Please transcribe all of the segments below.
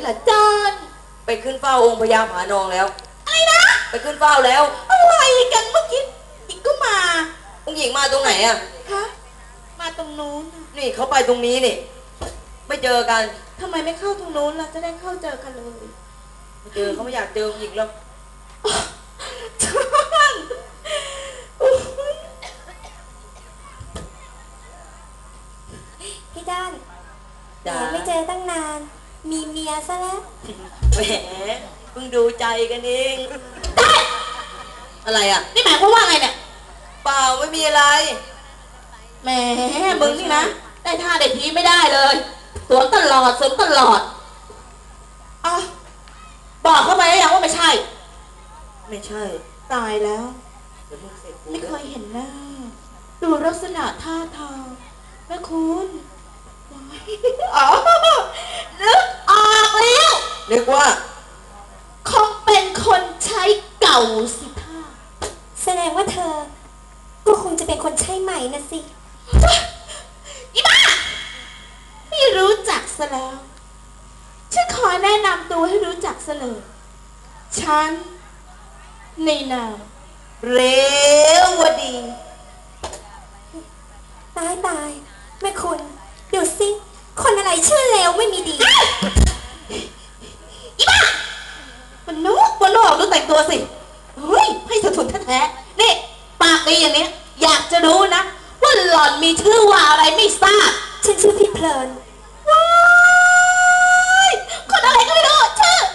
ล่ะจานไปขึ้นเฝ้าองค์พญาผานองแล้วอะไรนะไปขึ้นเฝ้าแล้วอะไรกันเมื่อกี้อีกก็มาองค์หญิงมาตรงไหนอะฮะมาตรงนู้นนี่เขาไปตรงนี้นี่ไม่เจอกันทำไมไม่เข้าตรงนู้นล่ะจะได้เข้าเจอกันเลยไม่เจอเขาไม่อยากเจอองค์หญิงแล้วพี่ด้านไม่เจอตั้งนานมีเมียซะแล้วแหมเพิ่งดูใจกันเองอะไรอ่ะนี่หมายความว่าไงเนี่ยเปล่าไม่มีอะไรแหมมึงนี่นะได้ท่าได้ทีไม่ได้เลยสวนตลอดอ่ะบอกเข้าไปแล้วยังว่าไม่ใช่ตายแล้วไม่เคยเห็นหน้าดูลักษณะท่าทางแม่คุณอ๋อนึกออกแล้วนึกว่าคงเป็นคนใช้เก่าสิท่าแสดงว่าเธอก็คงจะเป็นคนใช้ใหม่นะสิอีบ้าไม่รู้จักซะแล้วฉันขอแนะนำตัวให้รู้จักซะเลยฉันในนามเรวดีตายแม่คุณดูสิคนอะไรชื่อเลวไม่มีดีอีบ้ามันนอกดูแต่งตัวสิเฮ้ยให้ถุนแท้ๆนี่ปากดีอย่างนี้อยากจะรู้นะว่าหล่อนมีชื่อว่าอะไรไม่ทราบฉันชื่อพี่เพลินว้ายคนอะไรก็ไม่รู้ชื่อ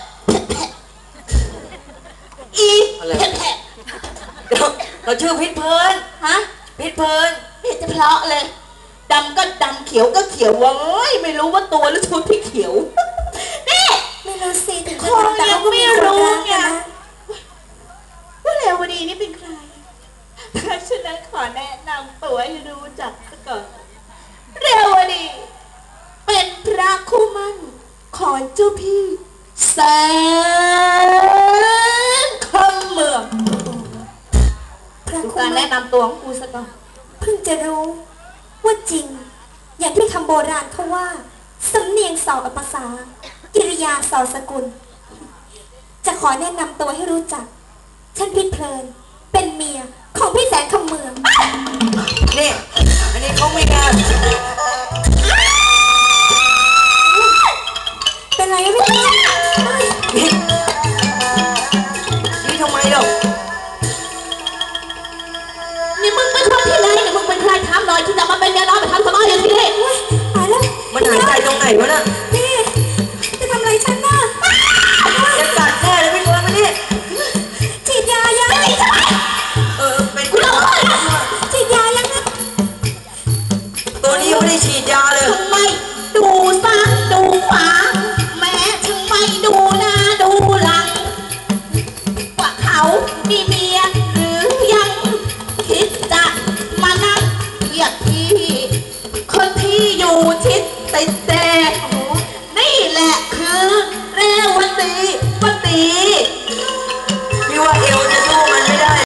อีแผะเราชื่อพิษเพลินฮะพิษเพลินไม่จะเพลาะเลยดำก็ดำเขียวก็เขียวเว้ยไม่รู้ว่าตัวหรือชุดที่เขียวนี่ไม่รู้สิถึงคนยังไม่รู้ไงว่าเรวดีนี่เป็นใครเพราะฉะนั้นขอแนะนำตัวให้รู้จักซะก่อนเรวดีเป็นพระคู่มั่นของเจ้าพี่แสนคำเมืองดูการแนะนำตัวของกูซะก่อนเพิ่งจะรู้ว่าจริงอย่างที่คำโบราณเขาว่าสำเนียงสอภาษากิริยาสอสกุลจะขอแนะนำตัวให้รู้จักฉันพิษเพลินเป็นเมียของพี่แสนคำเมืองนี่อันนี้เขาไม่งานเป็นไรไม่รู้นี่ทำไมหรอนี่มึงเป็นคนที่ไรเนี่ยมึงเป็นใครถามหน่อยที่จะมาเป็นเมียน้อยไปทำสมองอย่างที่นี่ตายแล้วมันหายใจตรงไหนวะน่ะนี่จะทำอะไรฉันน่ะจะกัดแน่เลยพี่คนมาดิฉีดยายังเป็นกูฉีดยายังนะตัวนี้ยังไม่ได้ฉีดยาเลยทำไมดูซ้ายดูขวา